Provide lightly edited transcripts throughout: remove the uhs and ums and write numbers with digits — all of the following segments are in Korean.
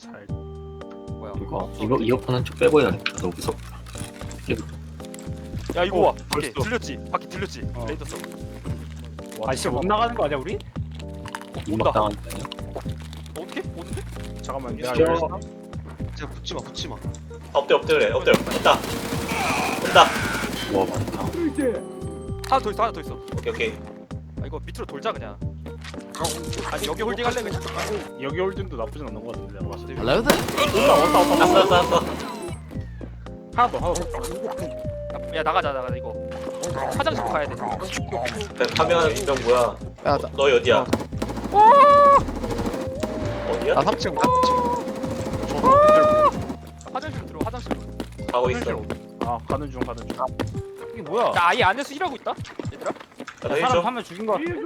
잘. 뭐야? 이거 이어폰은 좀 빼고 해야겠다. 너무 무섭다. 야 이거 와. 밖에 벌써. 들렸지? 밖에 들렸지? 어. 레이더 써. 아 진짜 못 나가는 거 아니야 우리? 이막 당하는 거 아니야? 어떻게? 오는데? 잠깐만 내가 진짜? 열렸어. 진짜 붙지마. 엎드려 그래 엎드려 됐다 됐다. 와 많다. 하나 더 있어 하나 더 있어. 오케이 아 이거 밑으로 돌자 그냥. 아니 여기 홀딩 할래 그냥. 여기 홀든도 나쁘진 않은 거 같은데 내가 봤을 때. Hello 왔어 하나 더. 야 나가자 이거. 화장실 가야 돼. 파밍하는 명 뭐야? 야, 너희 어디야? 어디야? 나 3층, 3층. 화장실 들어 화장실. 가고 있어. 아 가는 중. 이게 뭐야? 나 아예 안에서 일하고 있다. 얘들아. 나 사람 좀. 한 명 죽인 거 같아.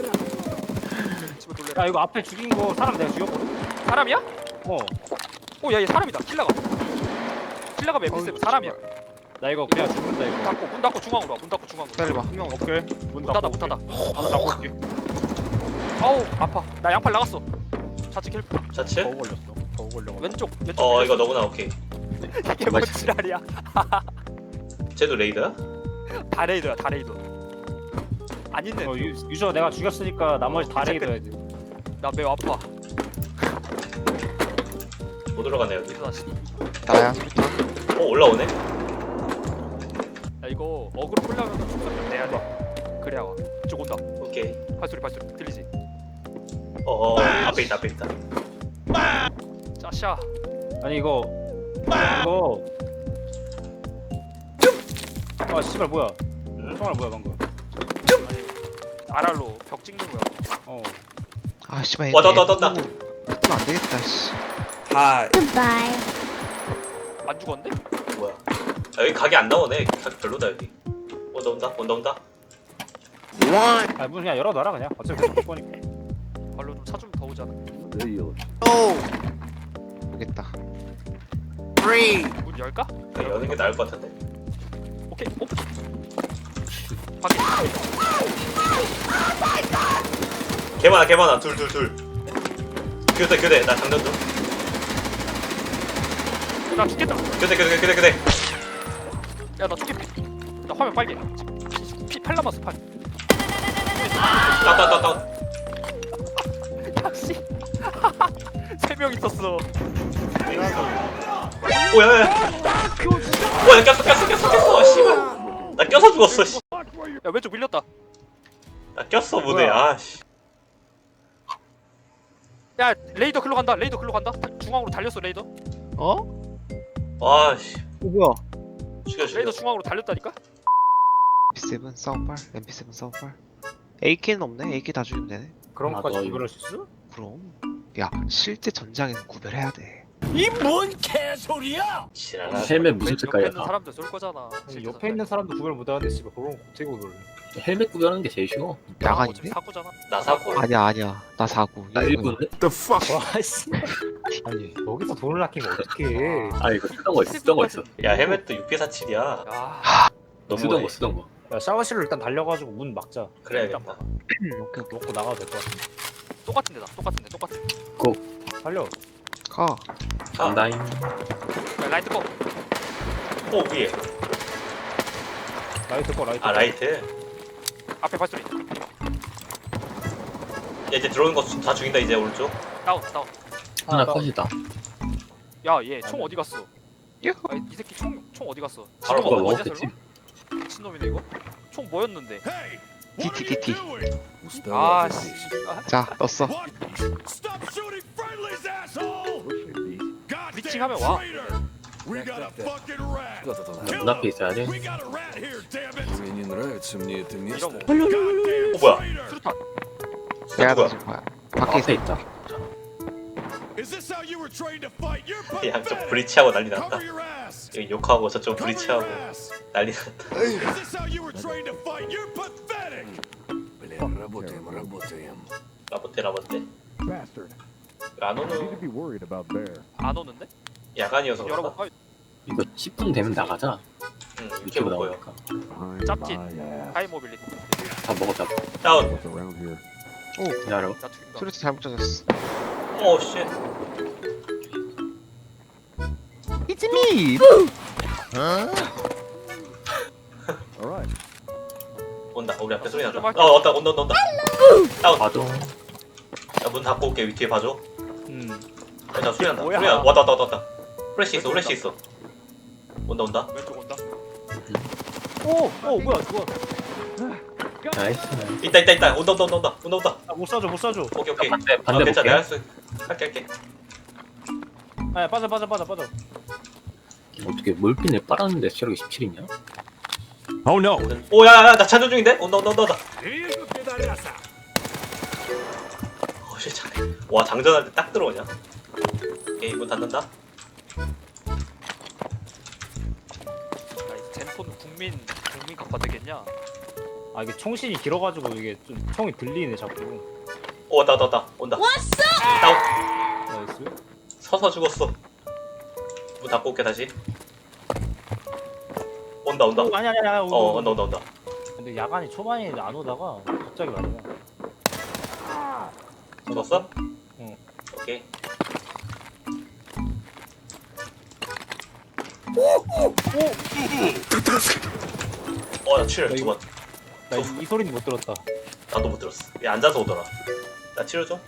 집에 돌려. 야 이거 앞에 죽인 거 사람 내가 죽였거든? 사람이야? 어. 오야 얘 사람이다. 킬라가. 킬라가 맵비스 사람이야. 나 이거 그냥 죽는다 이거. 문 닫고 중앙으로 와. 문 닫고 중앙으로. 기다려봐. 한 명 오케이. 문 문 닫아 닫고 문 닫아. 문 닫고 올게. 아우 아파. 나 양팔 나갔어. 좌측 킬. 자체? 버그 걸렸어. 버그 걸려가지고. 왼쪽. 이거 너구나 오케이. 이게 뭔 지랄이야. 쟤도 레이더야? 다 레이더야 다 레이더. 안 있네. 유저 내가 죽였으니까 나머지 다 레이더 해야 돼. 나 매우 아파. 못 올라가네 여기. 그래서 다시. 나야. 올라오네? 야 이거 어그로 풀려면 총선 내야 돼. 그래야 와. 이쪽 온다. 오케이. 발소리 들리지? 앞에 있다. 짜샤. 아니 이거 아 씨발 뭐야? 총알 뭐야 방금? 아랄로 벽 찍는 거야. 어. 아, 씨발. 떴다. 붙으면 안 되겠다, 씨. Goodbye. 안 죽었는데? 뭐야? 여기 각이 안 나오네. 각 별로다 여기. 온다. 아 문 그냥 열어놔라 그냥. 어차피 못 보니까. 발로 좀 차 좀 더 오잖아. 모르겠다. 문 열까? 여는 게 나을 것 같은데. 오케이 오픈. 밖에. 개 많아. 둘. 교대. 나 장전 중. 나 죽겠다. 교대. 야나 죽겠. 나 화면 빨개. 피8 남았어 8. 따. 역시. 3명 있었어. 오야. 와, 꼈어. 씨발. 나 껴서 죽었어. 씨. 야 왼쪽 밀렸다. 나 꼈어 무대. 뭐야? 씨. 야 레이더 글로 간다. 중앙으로 달렸어 레이더. 어? 씨. 뭐야? 죽여. 레이더 중앙으로 달렸다니까? MP7 싸움발? MP7 싸움발? AK는 없네? AK 다 죽이면 되네? 그런 아, 것까지 너 구별할 수 있어? 그럼. 야, 실제 전장에는 구별해야 돼. 지랄아. 헬멧 무슨 옆에 있는 색깔이야? 사람들 쏠 거잖아. 아니, 옆에 있는 사람도 구별 못하는데 씨발 그런 거 어떻게 구별해? 헬멧 구별하는 게 제일 쉬워. 야간인데? 사고잖아. 나 사고. 아니야. 나 4구. 나 1군데? 와씨. 아니 여기서 돈을 아끼면 어떡해? 아 이거 쓰던 거 있어. 야, 헬멧도 6P47이야. 야 너 쓰던 거. 야 샤워실로 일단 달려가지고 문 막자. 그래야겠다. 오케이 놓고 나가도 될 것 같아. 똑같은데. 달려. 가. 간다잉. 야, 라이트 꺼. 위에. 라이트 꺼. 라이트. 앞에 발소리. 야, 이제 들어오는 거 다 죽인다 이제 오른쪽. 다운. 하나 컷이다. 야 얘 총 어디 갔어? 야호. 아, 이 새끼 총 어디 갔어? 바로 지금 먹어, 어디야, 설마? 미친놈이네 이거. 총 뭐였는데? DT. 아 씨. 자, 떴어. 미칭하면 와. 문 앞에 있어야 돼. Мне не нравится мне это место. 이러고. 뭐야? 수류탄. 내가 누구야? 던진 거야. 밖에 있어. 앞에 있다. 양쪽 브리치하고 난리 났다. 여기 욕하고 저쪽 브리치하고 난리 났다. Бля, работаем. 라보테. 안 오는 안 오는데? 야간이어서 그런가? 열어볼까? 이거 10분 되면 나가자. 응, 이렇게 유튜브 못 보여. 나오니까. 짭짓. 하이 모빌리티. 다 먹었다. 다운. 기다려. 나 죽인다. 수류탄 잘못 젖었어. 쉣. It's me. 온다. 우리 앞에 소리 난다. 좀 할게. 왔다. 온다. 다운. 봐줘. 야문 닫고 올게. 뒤에 봐줘. 자 소리 난다. 뭐야? 소리 나. 왔다. 플래시 있어. 온다. 왼쪽 온다. 오 뭐야 그거. 나이스. 있다. 온다. 아, 못 쏴줘. 오케이. 반대 괜찮아. 볼게. 내가 할게. 아 빠져. 어떻게 몰핀을 빨았는데 체력이 17이냐? Oh no. 오야야야 나 찬조 중인데? 온다. 어씨 잘해. 와 장전할 때 딱 들어오냐? 오케이 문 닫는다. 야, 이 젠폰 국민 각화 되겠냐? 아 이게 총신이 길어가지고 이게 좀 총이 들리네 자꾸. 오 왔다. 온다. 다운. 나이스. 서서 죽었어. 문 닫고 올게 다시. 온다. 아니야. 온다. 근데 야간이 초반에 안 오다가 갑자기 말이야. 죽었어? 응. 오케이. 나 치료 두 번. 나 이 소리는 못 들었다. 나도 못 들었어. 얘 앉아서 오더라. 나 치료 좀.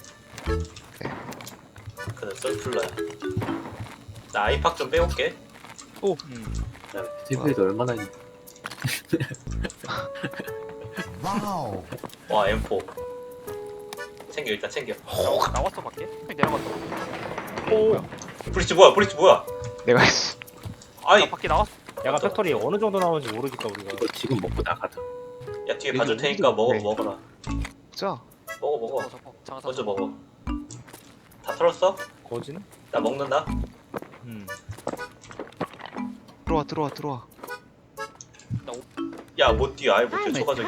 그래 썰풀러야. 나 아이팍 좀 빼올게. 야, TV에도 얼마나 있- 와 M4. 챙겨 일단 챙겨. 나왔어 밖에? 내려갔다. 브리치 뭐야? 내가 했어. 아이 나 밖에 나왔어. 야간 팩토리 어느 정도 나오는지 모르니까 우리가. 이거 지금 먹고 나가자. 야 뒤에 봐줄 테니까 먹어라. 자, 먹어. 저거 장사. 먼저 먹어. 다 털었어? 거진? 나 먹는다. 들어와. 야 못 뛰어. 아예 못 뛰어. 초과적이야.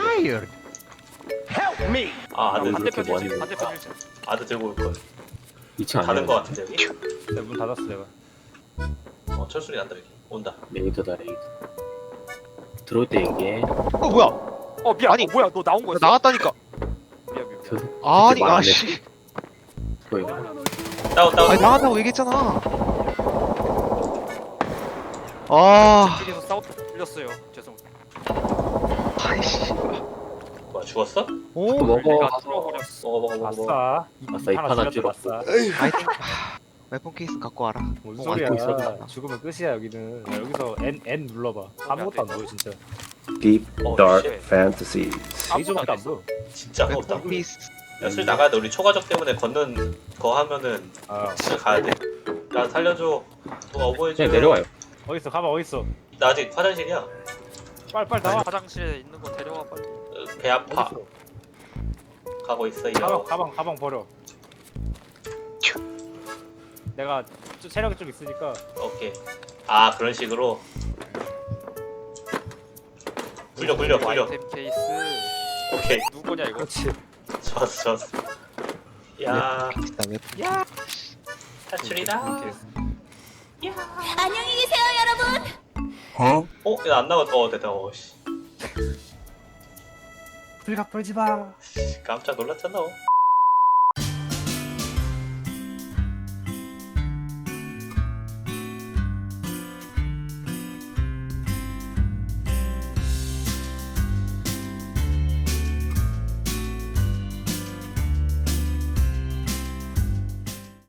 아 아들 반대편 그렇게 1층. 뭐하니? 반대편 1층. 아들 들고 올 거야. 2층 아니야? 가는 거 같은데 여기? 내가 문 닫았어 내가. 철소리 난다 여기. 온다. 레이더다 레이더. 들어올 때 얘기해. 뭐야? 미안. 아니, 뭐야? 너 나온 나 거였어? 나갔다니까. 미안. 저 아니, 말안 아씨. 거의 다운. 아니 나간다고 얘기했잖아. 아, 둘이서 틀렸어요. 죄송. 아이씨. 뭐야 죽었어? 오, 먹어. 내가 뚫어버렸어. 먹어. 아싸. 아싸, 입 하나 줄여. 아싸. 아이템. 웨폰 케이스 갖고 와라. 뭔 안 소리야? 보고 있어. 죽으면 끝이야 여기는. 야, 여기서 N 눌러봐. 아무것도 안 보여 진짜. Deep Oh, dark shit. fantasies. 레이저밖에 안 보여. 진짜 아무것도 안 웨폰 보여. 케이스. 야, 술 나가야 돼. 우리 초과적 때문에 걷는 거 하면은 아 진짜 가야 돼. 야, 살려줘. 누가 어버해줘. 그냥 내려와요. 어딨어? 가봐 어딨어? 나 아직 화장실이야. 빨리 나와. 화장실에 있는 거 데려와 빨리. 배 아파. 어딨어? 가고 있어, 이거. 가방 버려. 내가 체력이 좀 있으니까. 오케이. 아, 그런 식으로. 굴려. 아이템 케이스. 오케이. 누구냐 이거? 그렇지. 좋았어. 야, 나 웨폰. 탈출이다. 안녕히 계세요, 여러분. 어? 야, 안 나갔어. 됐다. 씨. 불각 불지 마. 깜짝 놀랐잖아.